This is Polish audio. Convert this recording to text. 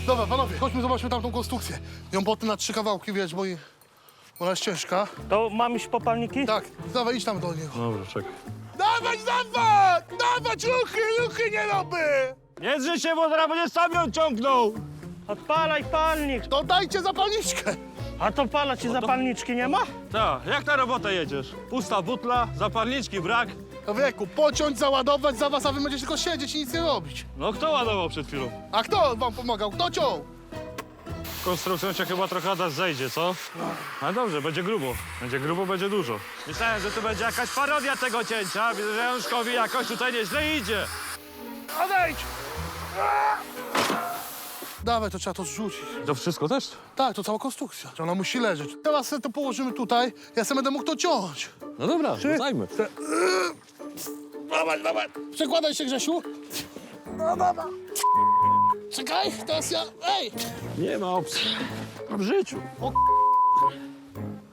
Dobra, panowie, chodźmy, zobaczmy tamtą konstrukcję. Ją potem na 3 kawałki, wiesz, bo ona jest ciężka. To mam iść po palniki? Tak, dawaj, idź tam do niego. Dobra, czekaj. Dawać! Dawać ruchy nie robię! Nie drzyj się, bo zaraz będzie sam ją ciągnął! Odpalaj palnik. To dajcie zapalniczkę! A to pala ci zapalniczki nie ma? Tak, jak na robotę jedziesz? Pusta butla, zapalniczki brak. Wieku, pociąć, załadować za was, a wy będziecie tylko siedzieć i nic nie robić. No kto ładował przed chwilą? A kto wam pomagał? Kto ciął? Konstrukcją cię chyba trochę Adaś zejdzie, co? Ale dobrze, będzie grubo. Będzie grubo, będzie dużo. Myślałem, że tu będzie jakaś parodia tego cięcia. Widzę, że Januszkowi jakoś tutaj nieźle idzie. Odejdź! Dawaj, to trzeba to zrzucić. To wszystko też? Tak, to cała konstrukcja. Ona musi leżeć. Teraz sobie to położymy tutaj, ja sobie będę mógł to ciąć. No dobra, rzucajmy. Dawaj. Przekładaj się, Grzesiu. No, dobra. Czekaj, teraz ja... Ej! Nie ma opcji. W życiu.